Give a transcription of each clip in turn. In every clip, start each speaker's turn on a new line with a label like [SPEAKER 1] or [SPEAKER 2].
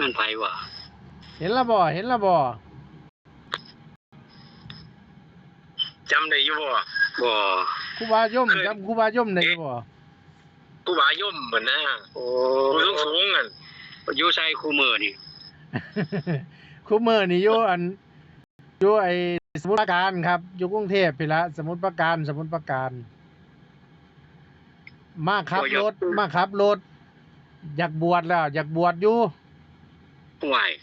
[SPEAKER 1] มันไผวะ
[SPEAKER 2] เห็นละบ่
[SPEAKER 3] จำได้อยู่บ่
[SPEAKER 2] ครูบาย่อมจำครูบาย่อมได้บ่
[SPEAKER 3] ครูบาย่อมเหมือนนะ
[SPEAKER 1] โอ้
[SPEAKER 3] ผู้สูงนั่น
[SPEAKER 1] อยู่ใส่คู่มือนี่
[SPEAKER 2] ครูมื้อนี่อยู่ไอ้สมุทรปราการครับอยู่กรุงเทพพี่ละสมุทรปราการมาขับรถอยากบวชแล้วอยากบวชอยู่
[SPEAKER 1] ห่วย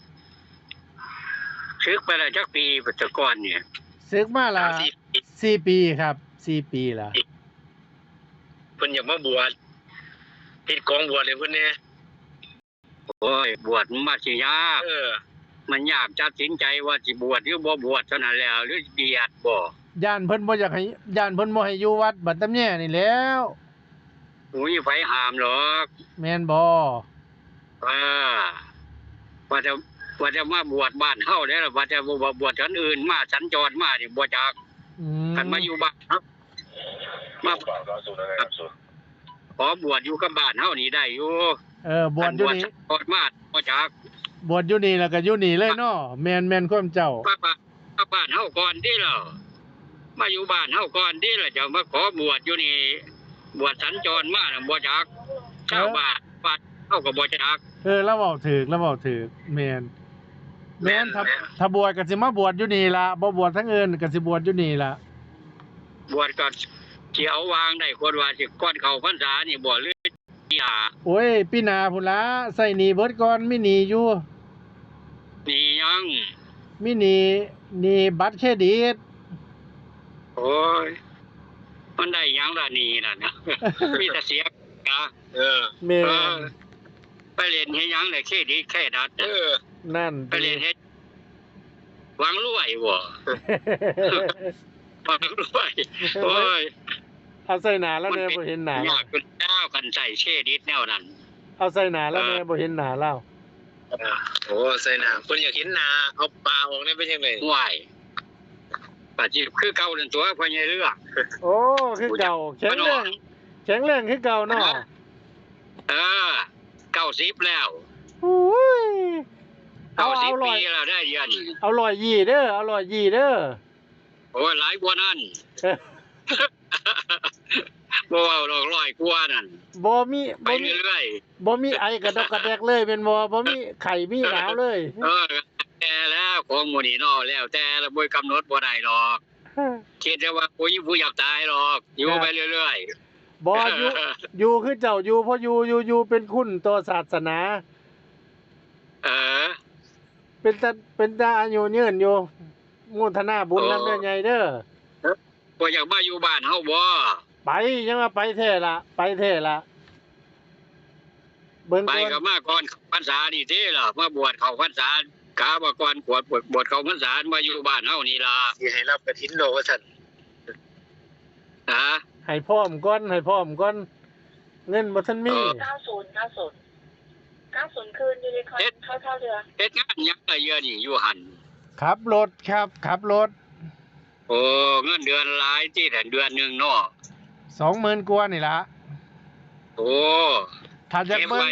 [SPEAKER 1] ซึกไปแล้วจักปีปัจจุบันเนี่ย
[SPEAKER 2] ศึกมาละ4 ปีครับ4 ปีละ
[SPEAKER 3] เพิ่นอยากมาบวชติดกองบวชเลยเพิ่นเนี่ย
[SPEAKER 1] โอ้ยบวชมาสิยากมันยากตัดสินใจว่าสิบวชหรือบ่บวชเท่านั้นแล้วหรือเบียดบ่
[SPEAKER 2] ย่านเพิ่นบ่อยากให้ย่านเพิ่นบ่ให้อยู่วัดบัดตำแย่นี่แหล้ว
[SPEAKER 1] อุ้ยไผห้ามหรอก
[SPEAKER 2] แม่นบ่
[SPEAKER 1] ว่าจะมาบวชบ้านเฮาได้ล่ะว่าจะบ่บวชกันอื่นมาสัญจรมานี่บ่จักคันมาอยู่บ้านครับมาขอบวชอยู่กับบ้านเฮานี่ได้อยู่
[SPEAKER 2] บวชอยู่นี่
[SPEAKER 1] บวชมาบ่จัก
[SPEAKER 2] บวชอยู่นี่แล้วก็อยู่นี่เลยเนาะแม่นความเจ้า
[SPEAKER 1] บ้านเฮาก่อนติล่ะมาอยู่บ้านเฮาก่อนติล่ะจะมาขอบวชอยู่นี่บวชสัญจรมาน่ะบ่จักชาวบ้านเฮาก็บ่จัก
[SPEAKER 2] แล้วเว้าถูกแม่นถ้าบวชก็สิมาบวชอยู่นี่ล่ะบ่บวชทั้งอื่นก็สิบวชอยู่นี่ล่ะ
[SPEAKER 1] บวชก็สิเอาวางได้คนว่าสิก่อนเข้าพรรษานี่บ่หรือปีหน้า
[SPEAKER 2] โอ้ยปีหน้าพุ่นล่ะใส่หนี้เบิดก่อนมีหนี้อยู่
[SPEAKER 1] หนี้ยัง
[SPEAKER 2] มีหนี้บัตรเครดิต
[SPEAKER 1] โอ้ยมันได้ยังล่ะหนี้นั่นนะมีแต่เสียนะ
[SPEAKER 2] แม่
[SPEAKER 1] ไปเรียนเฮ็ดหยังได้เครดิตแค่ดัด
[SPEAKER 2] นั่น
[SPEAKER 1] ไปเรียนเฮ็ดหวังรวยบ่หวังรวยโอ้ย
[SPEAKER 2] เอาใส่หน้าแล้วแน่บ่เห็นหน้าย
[SPEAKER 1] ากเป็นเจ้ากันใส่เครดิตแนวนั้น
[SPEAKER 2] เอาใส่หน้าแล้วแน่บ่เห็นหน้าแล้ว
[SPEAKER 3] โอ้ใส่หน้าเพิ่นอยากเห็นหน้าเอาปลาออกได้เป็นจังได๋
[SPEAKER 1] ว้ายปาจิคือเก่านั่นตัวพ่อใหญ่เรือ
[SPEAKER 2] โอ้คือเก่าแข็งแรงคือเก่าเนาะ
[SPEAKER 1] 90แล้ว
[SPEAKER 2] อุ้ย
[SPEAKER 1] เอา10ปีแล้วได้เดือน
[SPEAKER 2] เอา120เด้อ
[SPEAKER 1] โอ้ยหลายกว่านั้นบ่เอาดอก100กว่านั่น
[SPEAKER 2] บ่มี
[SPEAKER 1] เรื่อย
[SPEAKER 2] บ่มีไอกระดกกระแดกเลยแม่นบ่มีไข้มีหนาวเลย
[SPEAKER 1] แต่แล้วของหมู่นี้เนาะแล้วแต่ละบ่กำหนดบ่ได้หรอกคิดว่าผู้อยากตายหรอกอยู่ไปเรื่อย
[SPEAKER 2] ๆบ่อยู่คือเจ้าอยู่เพราะอยู่เป็นคุณต่อศาสนาเป็นตาอายุยืนอยู่มุทนาบุญนำเด้อใหญ่เด้อ
[SPEAKER 1] บ่อยากมาอยู่บ้านเฮาบ่
[SPEAKER 2] ไปยังว่าไปแท้ละ
[SPEAKER 1] เบิ่งไปก็มาก่อนพรรษานี่ติล่ะมาบวชเข้าพรรษากะว่าก่อนบวชเข้าพรรษามาอยู่บ้านเฮานี่ล่ะ
[SPEAKER 3] สิให้รับกฐินดอกว่าซั่น
[SPEAKER 2] ให้พร้อมก่อนเงินบ่ทันมี
[SPEAKER 4] 90คืนอยู่ในคอนเข้าเรือ
[SPEAKER 1] เฮ็ดงานหยังละเยอะนี่อยู่หั่น
[SPEAKER 2] ขับรถครับ
[SPEAKER 1] โอ้เงินเดือนหลายที่แต่เดือนนึงเนาะ
[SPEAKER 2] 20,000 กว่านี่ล่ะ
[SPEAKER 1] โอ้
[SPEAKER 2] ถ้าอยากเบิ่ง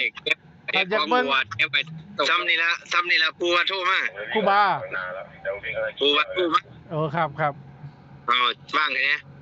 [SPEAKER 3] ซ้ำนี่ละครูว่าโทรมา
[SPEAKER 2] ครูบา
[SPEAKER 3] โทรมา
[SPEAKER 2] ครับ
[SPEAKER 3] ว่างแท้